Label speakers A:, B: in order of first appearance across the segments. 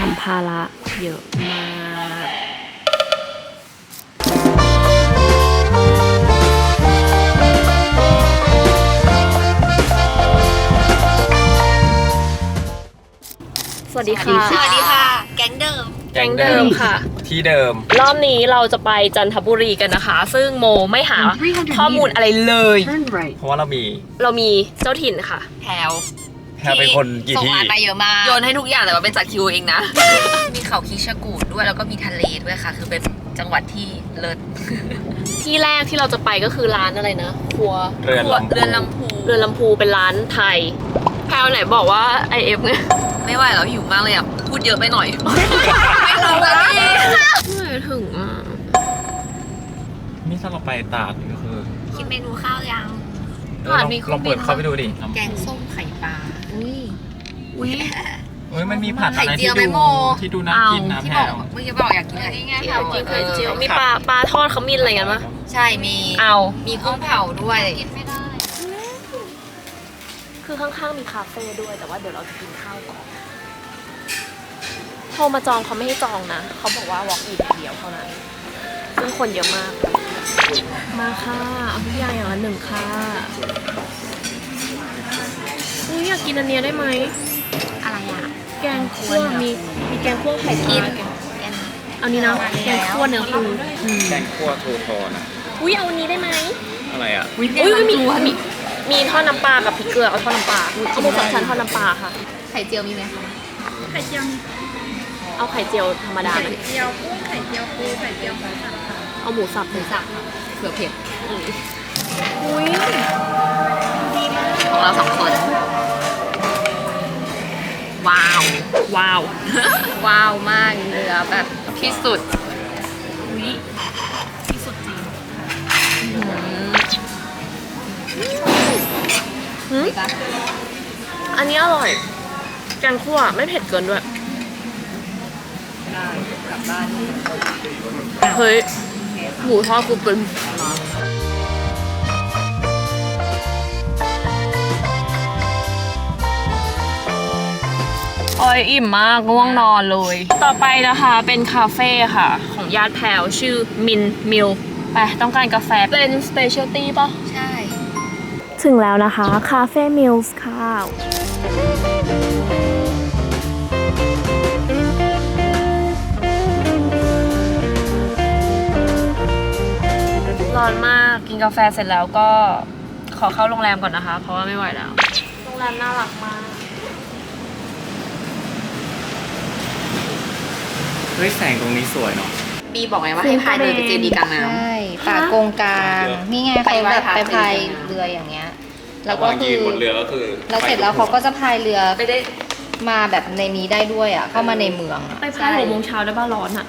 A: สัมภาระเยอะมาก สวัสดีค่ะ
B: สวัสดีค่ะ แก๊งเดิม
A: แก๊งเดิมค่ะ
C: ที่เดิม
A: รอบนี้เราจะไปจันทบุรีกันนะคะ ซึ่งโมไม่หาข้อมูลอะไรเลย
C: เพราะว่าเรามี
A: เจ้าถิ่นค่ะ
B: แพลว
C: แพรเป็นคนกี่
B: ส่ง
C: ที่
B: งานมาเยอะมาก
A: โยนให้ทุกอย่างแต่ว่าเป็นจากคิวเองนะ
B: มีเขาคิชกูดด้วยแล้วก็มีทะเลด้วยค่ะ คือเป็นจังหวัดที่เลิศ
A: ที่แรกที่เราจะไปก็คือร้านอะไรนะ ครัว
C: เรือนลำ
B: เรือนลำพู
A: เรือนลำพูเป็นร้านไทย แพลวไหนบอกว่า IF ไง
B: ไม่ไหวแล้วหิวมากเลยอ่ะ พูดเยอะไปหน่อย ไม่รู้แล้วพี่
A: ไม่ถึงอ่ะ
C: นี่ถ้าเราไปตาดนี่ก็คือ
B: คิดเมนูข้าวยัง
A: ตาดมีเครื่
C: ล
A: อ
C: อง ง
A: บิน
C: เปิดเข้าไปดูดิ
B: แกงส้มไข่ปลา
A: อุ้ย
C: เฮ้ยมันมีผัดอะไร
B: ไข่เจียวไหมโม
C: ที่ดูน่ากินนะ
B: ที่
C: แพ
B: บ
C: ร
B: อกเมื่อกี้บอกอยากกินไข่เจียว
A: กินไข่เจียวมีปลาทอดขมิ้นอะไรกันปะ
B: ใช่มี
A: เอา
B: มีกุ้งเผาด้วย
A: คือข้างๆมีคาเฟ่ด้วยแต่ว่าเดี๋ยวเราจะกินข้าวก่อนโทรมาจองเขาไม่ให้จองนะเขาบอกว่า walk in เดียวเท่านั้นซึ่งคนเยอะมาก มาค่ะเอาทุกอย่างอย่างละหนึ่งค่ะนี่อยากกินอันเนี้ยได้ไหม
B: อะไรอ่ะ
A: แกงคั่วมีแกงคั่วไข่ปลาเอานี้นะแกงคั่วเนื้อปู
C: แกงคั่วทูโทนอะ
A: อุ้ยเอาอันนี้ได้ไหม
C: อะไรอ่ะ
A: อุ้ยมีทอดน้ำปลากับพริกเกลือเอาทอดน้ำปลาเอาหมูสามชั้นทอดน้ำปลาค่ะ
B: ไข่เจียวมีไหมคะ
A: เอาไข่เจียวธรรมดาไหม
B: เจียวกุ้งไข่เจียวปูไข่เจียวหมูสับ
A: เอาหมูสับหมูสับ
B: เผื่อเผ็ด
A: อุ้ย
B: ของเราสองคน ว้าว
A: ว้าว
B: ว้าวมากเนื้อแบบที่สุด
A: อุ้ยที่สุดจริง
B: ดีปะ
A: อันนี้อร่อยแกงคั่วไม่เผ็ดเกินด้วย
B: ได้กลับบ้าน
A: เฮ้ยหมูทอดกูเป็นโอ้ยอิ่มมากง่วงนอนเลย ต่อไปนะคะเป็นคาเฟ่ค่ะ ของญาติแพรวชื่อมินมิลไปต้องการกาแฟเป็นสเปเชียลตี้ป่ะ
B: ใช่
A: ถึงแล้วนะคะคาเฟ่มิลส์ค่ะร้อนมากกินกาแฟเสร็จแล้วก็ขอเข้าโรงแรมก่อนนะคะ เพราะว่าไม่ไหวแล้ว โรงแรมน่ารักมาก
C: เฮ้ยแสงตรงนี้สวยเนาะ
B: ปีบอกไงว่าให้พายเรือไปเจดีย์กลางน้
D: ใช่ป่าโกงกลางนี่ไงเขาแบบไปพายเรืออย่างเงี้ย แล้วก็
C: ระหว่าง
D: คื
C: ยื
D: อน
C: บนเรือก็คือ
D: แล้วเสร็จแล้วเขาก็จะพายเรือ
B: ำไปได้
D: มาแบบในนี้ได้ด้วยอ่ะ เข้ามาในเมืองอ่ะ
A: ไปพาย6 โมงเช้าได้บ้าร้อนอ่ะ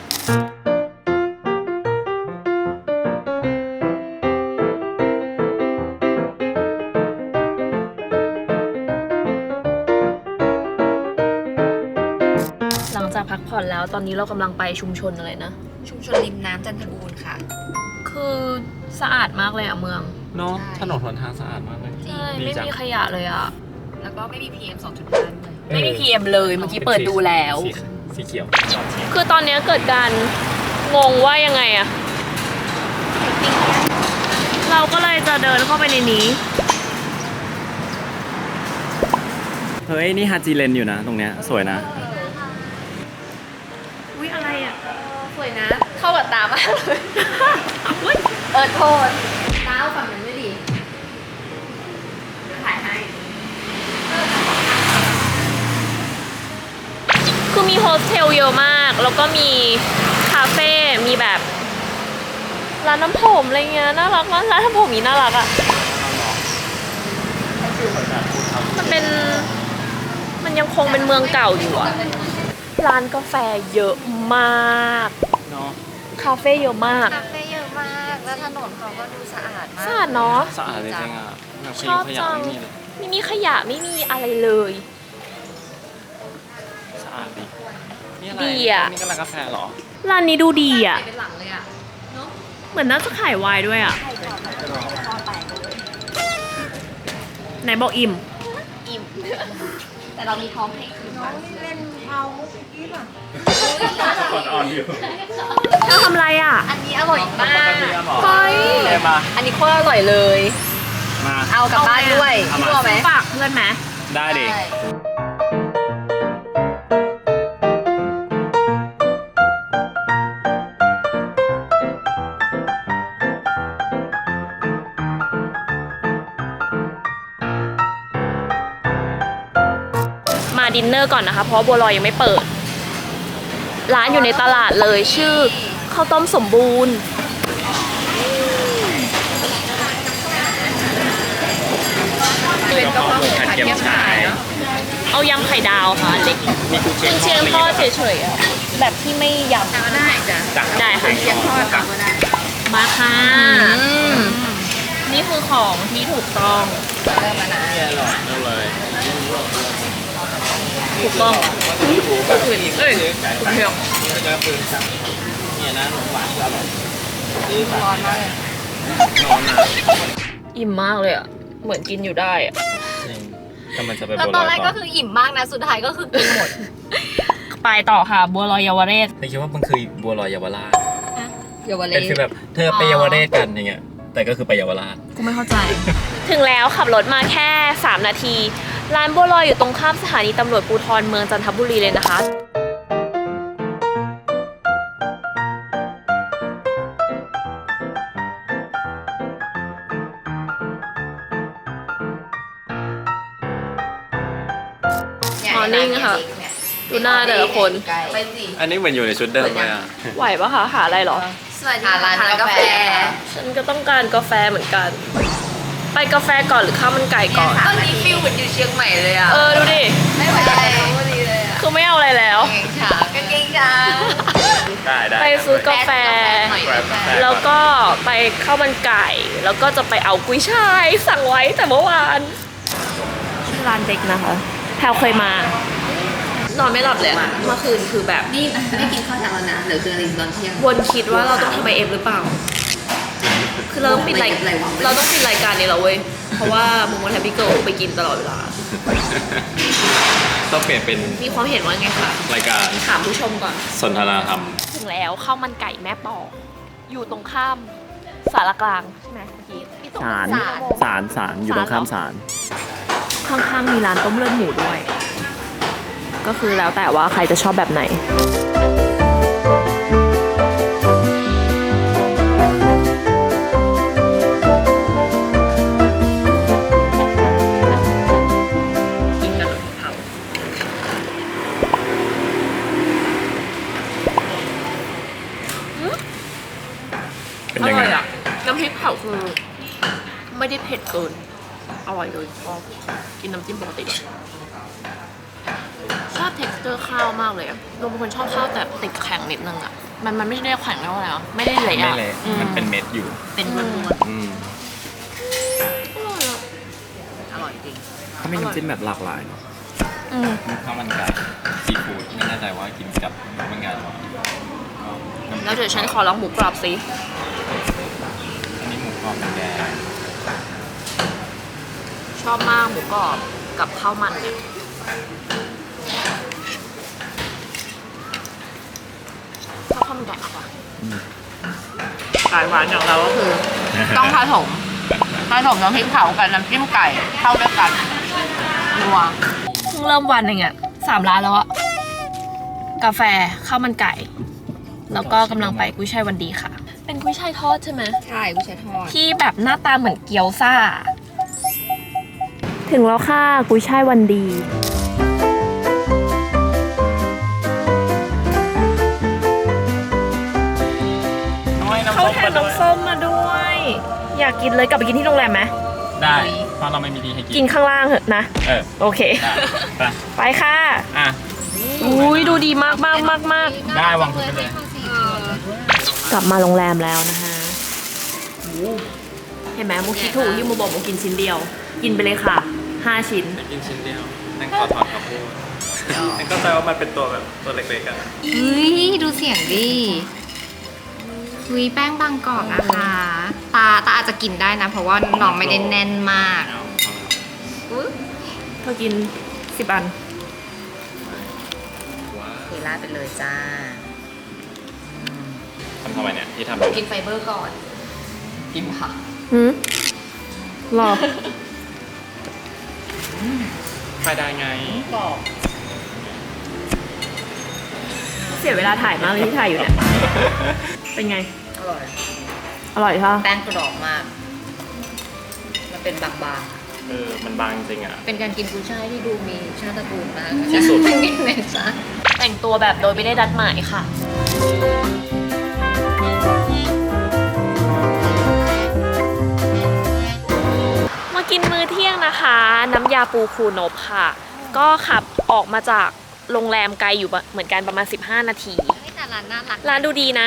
A: หลังจากพักผ่อนแล้วตอนนี้เรากำลังไปชุมชนอะไรนะ
B: ชุมชนริมน้ำจันทบูรณ์ค่ะ
A: คือสะอาดมากเลยอ่ะเมือง
C: เนาะ
B: ใช่
C: ถนนหนทางสะอาดมากเลย
A: ใช่
C: ดี
A: ไม่
C: จัง
A: มีขยะเลยอ่ะ
B: แล้วก็ไม่มี PM 2.5ด้วย
A: ไม่มี PM เลยเมื่อกี้เปิดดูแล้ว
C: สีเขียว
A: คือตอนนี้เกิดการงงว่ายังไงอะเราก็เลยจะเดินเข้าไปในนี้
C: เฮ้ยนี่ฮาจิเลนอยู่นะตรงเนี้ยสวยนะ
A: อุ๊ย อะไรอะ
B: สวยนะ เข้ากับตามากเลย
A: อุ๊ย
B: โทษตาเอาฝั่งนั้นด้วยดิถ่ายให้
A: คือมีโฮสเทลเยอะมาก แล้วก็มีคาเฟ่ มีแบบร้านน้ำผมอะไรเงี้ย น่ารักมาก ร้านน้ำผมนี้น่ารักอะมันยังคงเป็นเมืองเก่าอยู่อะร้านกาแฟเยอะมาก
C: เนาะ
A: คาเฟ่เยอะมาก
D: คาเฟ่เยอะมาก แล้วถนนเขาก็ดูสะอาดมาก
A: สะอาดเนาะ
C: สะอาดเลยจริงอ่ะแบบ
A: ชอบ
C: ขยะ
A: จัง
C: ไม่มีเลย
A: ไม่มีขยะไม่มีอะไรเลย
C: สะอาดดีนี่อะไร
A: ดีอะ
C: นี่ก็ร้านกาแฟเหรอ
A: ร้านนี้ดูดีอ่ะ
B: เป็นหลังเลยอ่ะ
A: เหมือนน่าจะขายไวน์ด้วยอ่ะ ไหนบอกอิ่ม
B: อิ่ม แต่เรามีพร้อมให้คืนวัน
D: เล่นเอา
C: คนอ่อนอยู่
A: เราทำอะไรอ่ะ
B: อันนี้อร่อยมาก
A: เฮ้ย
C: เดี๋ยวมา
B: อันนี้โคตรอร่อยเลย
C: มา
B: เอากลับบ้านด้วย
C: เอามา
B: พี่บัวไหม
A: ฝากเพื่อนไหม
C: ได้ดิ
A: มาดินเนอร์ก่อนนะคะ เพราะว่าบัวลอยยังไม่เปิด ร้านอยู่ในตลาดเลยชื่อข้าวต้มสมบูรณ์
B: เป็นกะเพราหมู
C: ผัดเกี๊ยวฉาย
A: เอายำไข่ดาวค่ะเล็ก
C: มีกุนเชียง
A: เชียงทอดเฉยๆอะแบบที่ไม่ยำ
B: ก็ได้จ้ะ
A: ได้ค่ะ
B: เชียงทอดก็ได้
A: มาค่ะนี่คือของที่ถูกต้อง
B: เริ่มแล้วนะ
C: นี่อร่อยนั่นเลย
A: ถูกต้อง
B: เอ้ยเพียว
C: เนี่ยนะขนมหวานอร่อย
B: ร้อนมากเลย
C: นอนนะ
A: อิ่มมากเลยอ่ะ เหมือนกินอยู่ได้อ่ะ
C: จริงแต่มันจะไป
B: แล้ว
C: บัว
B: ต
C: ล
B: อ
C: อน ย
B: แรกก็คืออิ่มมากนะ สุดท้ายก็คือกินหมด
A: ไปต่อค่ะ บัวลอยเยาวเรศ
C: เธอคิดว่ามันคือบัวลอยเยาวราช
B: เยาวเล
C: เป็นฟีลแบบเธอไปเยาวเรศกันอย่างเงี้ย แต่ก็คือไปเยาวราช
A: กูไม่เข้าใจ ถึงแล้วขับรถมาแค่ 3 นาที ร้านบัวลอยอยู่ตรงข้ามสถานีตำรวจภูธรเมืองจันทบุรีเลยนะคะ มอร์นิ่งค่ะ ดูหน้าแต่ละคน
B: ไปสิ
C: อันนี้เหมือนอยู่ในชุดเดิมเลยอ่ะ
A: ไหวปะคะ หาอะไรเหรอ
B: สวัสดีค่ะร้านกาแฟ
A: ฉันก็ต้องการกาแฟเหมือนกัน ไปกาแฟก่อนหรือข้าวมันไก่ก่อน
B: ตอนนี้ฟิลเหมือนอยู่เชียงใหม่เลยอ่ะ
A: ดูดิ
B: ไม่ไหวแล้วพอดีเลยอ่ะ
A: คือไม่เอาอะไรแล้ว
B: กางเกงช้าง
C: ได้
A: ไปซื้อกาแฟ แล้วก็ไปข้าวมันไก่ แล้วก็จะไปเอากุ้ยช่ายสั่งไว้แต่เมื่อวานชื่อร้านเด็กนะคะ แพลวเคยมา นอนไม่หลับเลยอะเมื่อคืนคือแบบ
B: นี่ไม่กินข้าวเช้าแล้วนะเดี๋ยวเจออะไรตอนเที่ยง
A: วนคิดว่าเราต้องทำไอเอฟหรือเปล่า คือเราต้องปิดราย
B: อะไรวะ
A: เราต้องปิดรายการนี้แล้วเว้ย เพราะว่ามุมมองแฮปปี้เกิลไปกินตลอดเวลา
C: ต้องเปลี่ยนเป็น
A: มีความเห็นว่าไงคะ
C: รายการ
A: ถามผู้ชมก่อน
C: สนทนาธรรม
A: ถึงแล้วข้าวมันไก่แม่ปอกอยู่ตรงข้ามสารกลางใช่ไหมเมื่อกี้ที่ตรง
C: ศาลอยู่ตรงข้ามศาล
A: ข้างๆมีร้านต้มเลือดหมูด้วย ก็คือแล้วแต่ว่าใครจะชอบแบบไหน กินกันเลยเผา
C: เป็น
A: อ
C: ยัง
A: ร่
C: ไง
A: อยอ่ะ น้ำพริกเผาคือไม่ได้เผ็ดเกิน อร่อยเลยชอบกินน้ำจิ้มปกติเลยชอบ texture ข้าวมากเลยอะเราเป็นคนชอบข้าวแต่ติดแข็งนิดนึงอะมันไม่ได้แข็งแล้วนะไม่ได้เละ
C: ไม่
A: อะ
C: เละ
A: อื
C: มันเป็นเม็ดอยู่
B: เป็นม้วน
C: อืม
A: อร่อยอะ
B: อร่อยจริง
C: เขามีน้ำจิ้มแบบหลากหลายเนาะ
A: อืม
C: มีข้าวมันไก่ซีฟู้ดไม่แน่ใจว่ากินกับข้าวมันไก่หรือเปล่า
A: แล้วเดี๋ยวฉันขอลองหมูกรอบสิ
C: อันนี้หมูกรอบแดง
A: ชอบมากหมูกรอบกับข้าวมันเนี่ยชอบข้าวมันไก่มากกว่าสายหวานอย่างเราก็คือ
B: ต้องผสมน้ำพริกเผากับน้ำจิ้มไก่เข้าด้วยกันนัว
A: เพิ่งเริ่มวันเองอะ3 ร้านแล้วอะกาแฟข้าวมันไก่ แล้วก็กำลังไปกุ้ยช่ายวันดีค่ะ เป็นกุ้ยช่ายทอดใช่ไหม
B: ใช่กุ้ยช่ายทอด
A: ที่แบบหน้าตาเหมือนเกี๊ยวซ่า ถึงแล้วค่ะกุ้ยช่ายวันดีเขาแถมน้ำส้มมาด้วย อยากกินเลยกลับไปกินที่โรงแรมไหม
C: ได้ เพราะเราไม่มีที่ให้กิ
A: กินข้างล่างเหอะนะ
C: เออ
A: โอเค
C: ได้
A: ไปค่ะ
C: อ่ะ
A: อุ้ยดูดีมากมากมากมาก
C: ได้วางทุกไปเลย
A: กลับมาโรงแรมแล้วนะคะเห็นไหมมูคิดถูกที่มูบอกมูกินชิ้นเดียว กินไปเลยค่ะ 5 ชิ้น
C: กินชิ้นเดียวนั่นขอถอนคำพูดนั่นก็แปลว่ามันเป็นตัวแบบตัวเล็กๆกัน
D: เฮ้ย ดูเสียงดิคุยแป้งบางกรอบนะคะ ตาอาจจะกินได้นะ เพราะว่าน้องไม่ได้แน่นมาก
A: เธอกิน10 อัน
C: ว้า
D: เวลาราดไปเลยจ้า
C: ทำไมเนี่ยที่ทำแบบ
D: กินไฟเบอร์ก่อนกินค่ะ
A: หรอ
C: ไฟได้ไง
D: บอก
A: เสียเวลาถ่ายมากเลยที่ถ่ายอยู่เนี่ย เป็นไง
D: อร่อย
A: อร่อยค่ะ
D: แป้งกรอบมาก มันเป็นบาง
C: มันบางจริงอ่ะ
D: ๆ เป็นการกินกุ้ยช่ายที่ดูมีชาติตระกูลมาก
C: ที่สุด
D: ไม่มีเมซ่า
A: แต่งตัวแบบโดยไม่ได้นัดหมายค่ะ มากินมื้อเที่ยงนะคะ น้ำยาปูคูนบค่ะ ก็ขับออกมาจากโรงแรมไกลอยู่เหมือนกันประมาณ 15 นาที
D: แต่ร้านน่ารัก
A: ร้านดูดีนะ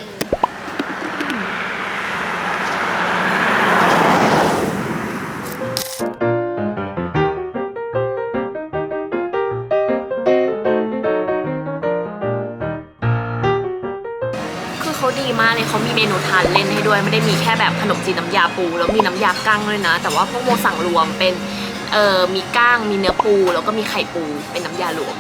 A: คือเขาดีมากเลยเขามีเมนูทานเล่นให้ด้วย ไม่ได้มีแค่แบบขนมจีนน้ำยาปู แล้วมีน้ำยากั้งด้วยนะ แต่ว่าพวกโมสั่งรวมเป็นมีก้างมีเนื้อปู แล้วก็มีไข่ปูเป็นน้ำยารวม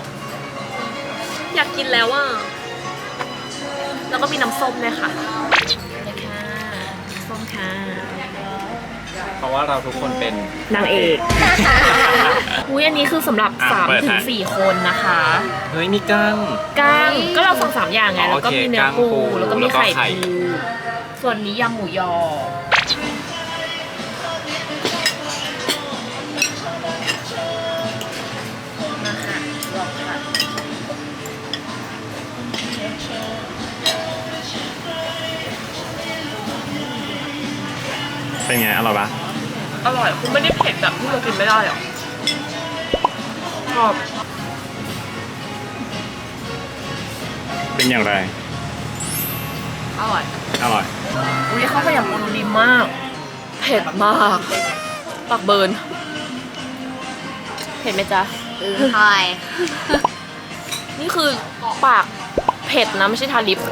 A: อยากกินแล้วอ่ะ แล้วก็มีน้ำส้มด้วยค่ะเลยค่ะส้มค่ะ
C: เพราะว่าเราทุกคนเป็น
A: นางเอก อุ้ยอันนี้คือสำหรับ
C: เปิด
A: 3 ถึ
C: ฮะ
A: ง 4 คนนะคะ
C: เฮ้ยมีกั้ง
A: ก้างก็เราสั่ง3 อย่างไง แล้วก็
C: โอเค
A: มีเนื้อปู
C: ก้างปู
A: แล้วก็มีไข่
C: แล้วก็ไข่
A: ปู ส่วนนี้ยำหมูยอ มาค่ะลองค่ะ
C: เป็นไงอร่อยปะ
A: อร่อยคุณไม่ได้เผ็ดแบบที่เรากินไม่ได้หรอชอบ
C: เป็นอย่างไร
A: อร่อย
C: อร่อย
A: อุ้ยข้าวขยำปูดีมาก เผ็ดมากปากเบิร์นเผ็ดไหมจ๊ะ
D: ใช่
A: นี่คือปากเผ็ดนะ ไม่ใช่ทาลิป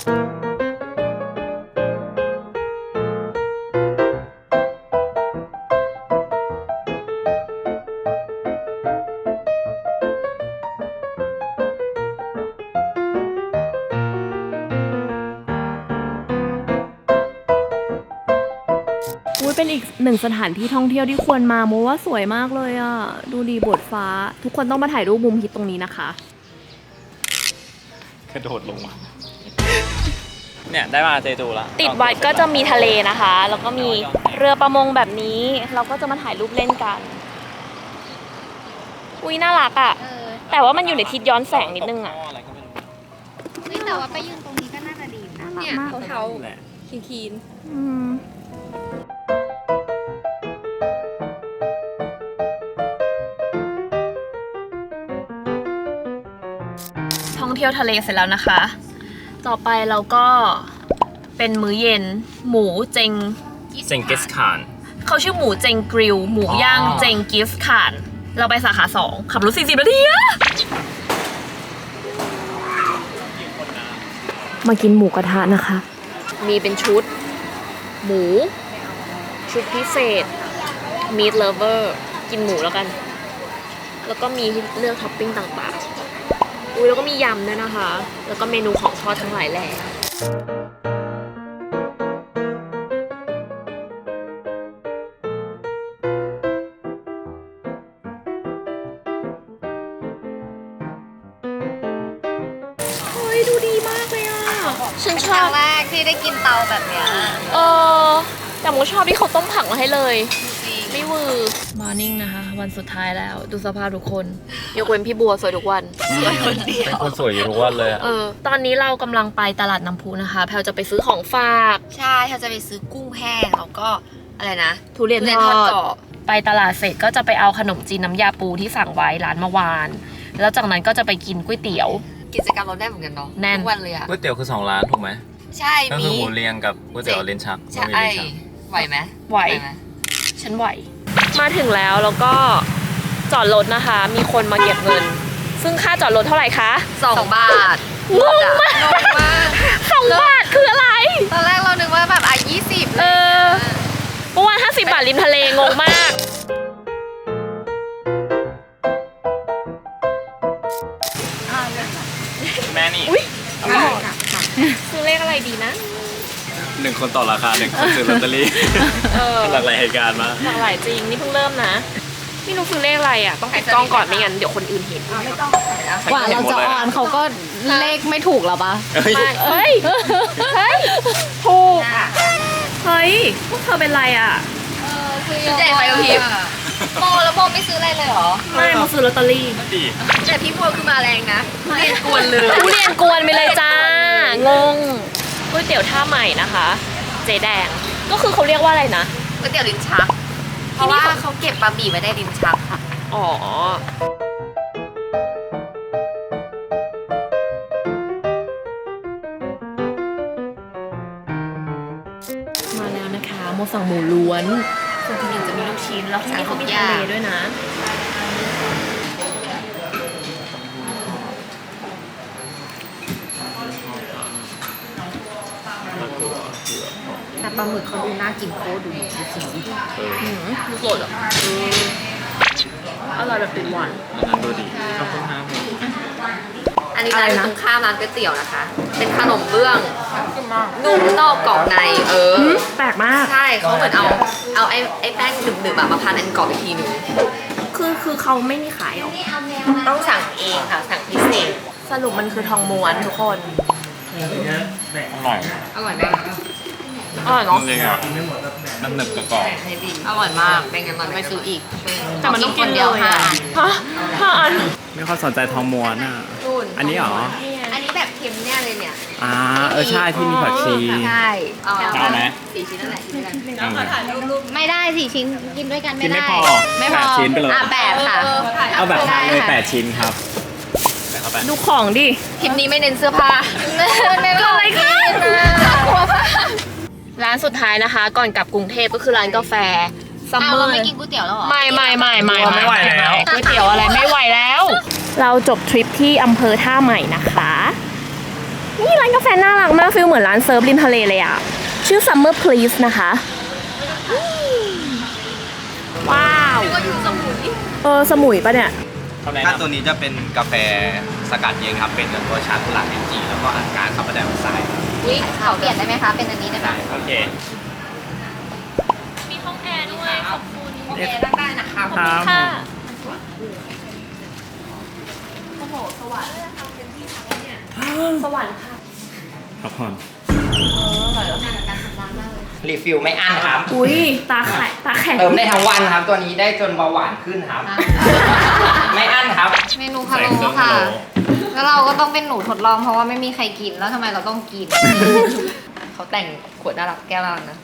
A: อุ้ยเป็นอีกหนึ่งสถานที่ท่องเที่ยวที่ควรมาโมว่าสวยมากเลยอ่ะ ดูดีบทฟ้า ทุกคนต้องมาถ่ายรูปมุมฮิตตรงนี้นะคะ
C: กระโดดลงมา เนี่ยได้มาเจจูละ
A: ติดวัดก็จะมีทะเลนะคะ แล้วก็มีเรือประมงแบบนี้ เราก็จะมาถ่ายรูปเล่นกัน อุ้ยน่ารักอ่ะ แต่ว่ามันอยู่ในทิศย้อนแสงนิดนึงอ่ะ
C: อะไรก็ไม่รู้
D: นี่แต่ว่าไปยืนตรงนี้ก็น่าจะดีนะเนี่ยเท้า
C: แหละ
D: คีน
A: ท่องเที่ยวทะเลเสร็จแล้วนะคะ ต่อไปเราก็เป็นมื้อเย็น หมูเจง
C: เจงกิสคาน
A: เขาชื่อหมูเจงกริล หมูย่างเจงกิฟต์ข่าน เราไปสาขา 2 ขับรถ40 นาทีอะมากินหมูกระทะนะคะ มีเป็นชุด หมู ชุดพิเศษ meat lover กินหมูแล้วกัน แล้วก็มีให้เลือกท็อปปิ้งต่างๆ อุ้ยแล้วก็มียำด้วยนะคะ แล้วก็เมนูของทอดทั้งหลายแหล่เฮ้ยดูดีมากเลยอ่ะ ฉันช
D: ครั้
A: อง บ
D: แรกที่ได้กินเตาแบบเนี้ย
A: แต่โมชอบที่เขาต้มผักมาให้เลย
D: จริง
A: ไม่วือมอร์นิ่งนะคะ วันสุดท้ายแล้ว ดูสภาพทุกคน ยกเว้นพี่บัวสวยทุกวัน สวยคนเดียว
C: เป็นคนสวยอยู่ทุกวันเลยอะ
A: ตอนนี้เรากำลังไปตลาดน้ำพุนะคะ แพลจะไปซื้อของฝาก
D: ใช่เขาจะไปซื้อกุ้งแห้งแล้วก็อะไรนะ
A: ทุเรียน
D: ทุเรียน
A: ท
D: ท
A: อ
D: อ
A: ด
D: ดกรอบ
A: ไปตลาดเสร็จก็จะไปเอาขนมจีนน้ำยาปูที่สั่งไว้ร้านเมื่อวาน แล้วจากนั้นก็จะไปกินก๋วยเตี๋ยว
D: กิจกรรมเราได้เหมือนกันเนาะ
A: แน่น
D: ทุกวันเลยอะ
C: ก๋วยเตี๋ยวคือ2 ร้านถูกไหม
D: ใช่
C: ก็
D: มี
C: คือหมูเรียงกับก๋วยเตี๋ยวลิ้นชัก
D: ใช่
C: บะหมี่ลิ้นชัก
D: ไหวไหม
A: ไหว
D: ม
A: ฉันไหว มาถึงแล้วก็จอดรถนะคะ มีคนมาเก็บเงิน ซึ่งค่าจอดรถเท่าไหร่คะ
D: 2 บาท
A: งงมาก
D: งงมาก
A: 2 บาทคืออะไร
D: ตอนแรกเรานึกว่าแบบ20
A: เมื่อวาน50 บาทริมทะเลงงมาก
D: เ
C: แม่นี่
A: อุ้ยซื้อเลขอะไรดีนะ
C: 1 คนต่อราคา1 คนซื้อลอตเตอรี่
A: เออ
C: หลากหลายเหตุการณ์มา
A: หลากหลายจริง นี่เพิ่งเริ่มนะไม่รู้ซื้อเลขอะไรอ่ะ ต้องติดกล้องก่อนไม่งั้นเดี๋ยวคนอื่นเห็น
B: ไม่ต้องใส่แล้ว
D: กว่าเราจะออนเขาก็เลขไม่ถูกแล้วปะ
C: เฮ้ย
A: ไม่เฮ้ย เฮ้ย ถูก เฮ้ย พวกเธอเป็นไรอ่ะ
B: ชุดใหญ่ไฟกระพริบ
D: โมแล้วโมไม่ซื้ออะไรเลยเหรอ
A: ไม่มาซื้อลอตเตอรี่
C: ดี
B: แต่พี่พวกคือมาแรงนะเรียนกวนเลย
A: ทุเรียนกวนไปเลยจ้า งงก๋วยเตี๋ยวท่าใหม่นะคะ เจ๊แดง ก็คือเขาเรียกว่าอะไรนะ
B: ก๋วยเตี๋ยวลิ้นชัก เพราะว่าเขาเก็บบะหมี่ไว้ในลิ้นชักค่ะ
A: อ๋อ มาแล้วนะคะโมสั่งหมูล้วน ส่วนที่หนึ่งจะมีลูกชิ้น แล้วที่นี่เขามีทะเลด้วยนะ
D: แต่ปลาหมึกเขาดูน่ากินโคตรดูสี
A: ลูกโหลดอ่ะอร่อยแบบติดหวาน
C: อันนั้นดูดีขอบคุณครับ
B: อันนี้ร้านอยู่ตรงข้ามร้านก๋วยเตี๋ยวนะคะ เป็นขนมเบื้องนุ่มนอกกรอบใน
A: แปลกมาก
B: ใช่เขาเหมือนเอาไอ้แป้งหนึบๆอะมาพันอันกรอบอีกทีหนึง
A: คือเขาไม่มีขายหรอ
B: ต้องสั่งเองค่ะ สั่งพิเศษ
A: สรุปมันคือทองม้วนทุกคน
C: อร่อย
B: อร่อยไหม
A: อร่อยเนาะ
C: จริงอ่ะมันหนึบกับกรอบ
B: ให้ดีอร่อยมากเป็นงั้นเราไปซื้ออีก
A: แต่มันต้องกิน
B: เดียว
A: เลย
B: ค่ะ
A: อะฮะ5 อัน
C: ไม่ค่อยสนใจทองม้วนอ่ะ อันนี้เหรอ
B: อันนี้แบบเค็มเนี่ยเลยเนี่ย
C: ใช่ที่มีผักชี
B: ใช่เอา
C: เอาไหม
B: 4 ชิ้นนั่นแหละชิ้นนั้น
D: ไม่ได้4 ชิ้นกินด้วยกัน
C: กิ
D: ไม่
C: นไม่
D: ได้
C: พอ
D: ไม่พอ
C: 8 ชิ้นไปเลย
B: แบบค่ะ
C: เอาแบบทานเลย
B: ได้ค่ะ
C: 8 ชิ้นครับใส่เข้าไป
A: ดูของดิ
B: คลิปนี้ไม่เน้นเสื้อผ้า
A: เกิดอะไรขึ้น
B: กลัวผ้า
A: ร้านสุดท้ายนะคะ ก่อนกลับกรุงเทพก็คือร้านกาแฟซัมเมอ
D: เรา
A: ร์
D: ไม่กินก๋วยเตี๋ยวแล้วเหรอ
A: ไม่
C: ไม่ไหวแล้ว
A: ก๋วยเตี๋ยวอะไรไม่ไหวแล้ว เราจบทริปที่อำเภอท่าใหม่นะคะ นี่ร้านกาแฟน่ารักมากฟิลเหมือนร้านเซิร์ฟริมทะเลเลยอะชื่อ Summer Please นะคะว้าว
B: ก็อยู่สมุย
A: สมุยปะเนี่ย
C: ถ้าตัวนี้จะเป็นกาแฟสกัดเย็นครับ เป็นตัวชากุหลาบเอนจีแล้วก็อัดการคาร์บอนไดออกไซด์
D: อุ๊ยขอเปลี่ยนได้ไหมคะ เป็นอันนี้ได้ไหม
C: โอเค
A: มีห้องแอร์ด้วยขอบคุณ
B: โอเคนั่งได้นะคะ
C: ครับ
A: ค่ะ สวรรค์ค่ะ
C: พักผ่อน
E: รีฟิลไม่อั้นครับ
A: อุ้ยตาแข็ง
E: เติมได้ทั้งวันครับ ตัวนี้ได้จนเบาหวานขึ้นครับ ไม่อั้นครับ
D: เมนูพะโล้ค่ะ แล้วเราก็ต้องเป็นหนูทดลองเพราะว่าไม่มีใครกิน แล้วทำไมเราต้องกิน
B: เขาแต่งขวดน่ารักแก้วน่ารักนะ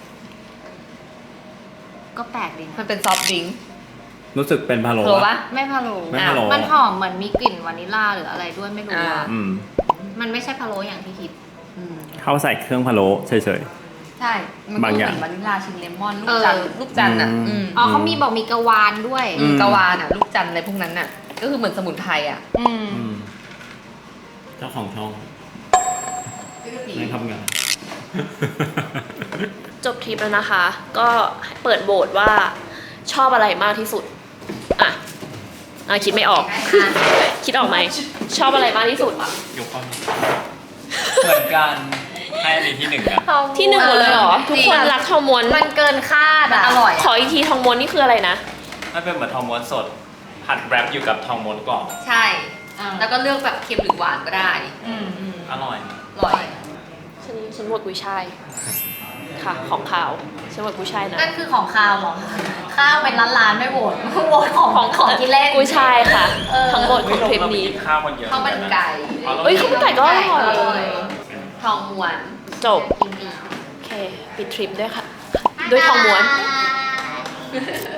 D: ก็แปลกดี
B: มันเป็นซอฟต์ดริงก์
C: รู้สึกเป็นพะโล้
B: โหรอ
C: ปะ
B: ปะ
D: ไม่พะโล้
C: ไม่พะโล้
D: มันหอมเหมือนมีกลิ่นวานิลลาหรืออะไรด้วยไม่รู้อะ
C: อืม
D: มันไม่ใช่พะโล้อย่างที่คิด
C: เขาใส่เครื่องพะโล้เฉย
B: ใช่ มัน
C: บาง
B: ก็
C: อ
B: เห
C: ย่าง
B: มือนวานิลลาชิมเลมอน
D: เออ
B: ลูกจันทร์อ่ะ
C: อืม
D: อ๋อเขามีบอกมีกระวานด้วย
C: อืม
B: กะวานอ่ะ ลูกจันทร์อะไรพวกนั้นอ่ะ ก็คือเหมือนสมุนไพรอ่ะ
C: ๆอืมเจ้าของช่องไม่ทำงาน
A: จบทริปแล้วนะคะ ก็เปิดโหวตว่าชอบอะไรมากที่สุด อ่ะคิดไม่ออก คิดออกไหม ชอบอะไรมากที่สุด
C: ยกข้อนี้เหมือนกันให้อันนี้ที่หนึ่งกัน
A: ที่หนึ่งหมดเลยเหรอ ทุกคนรักทองม้วน
D: มันเกินคาด
B: มัน
D: อะ
B: อร่อย
A: ขออีกทีทองม้วนนี่คืออะไรนะ
C: มันเป็นเหมือนทองม้วนสดผัดแรปอยู่กับทองม้วนกรอบ
B: ใช่ แล้วก็เลือกแบบเค็มหรือหวานก็ได้
C: อร่อย
B: อร่อย
A: ฉันโหวตกุยช่ายค่ะ ของขาวฉันโหวตกุยช่ายนะ
D: นั่นคือของข้าวเหรอ ข้าวเป็นร้านๆไม่โหวตโหวตของกินเล่น
A: กุยช่ายค่ะ
D: เออ
A: ทั้งหมดของทริปนี้
C: ข้าวมันเยอะ
B: ข้าวมันไก่
A: เอ้ยข้าวมันไก่ก็อร่อย
B: ทองม้วน
A: จบ โอเค ปิดทริปด้วยค่ะ ด้วยทองม้วน
D: บ๊ายบาย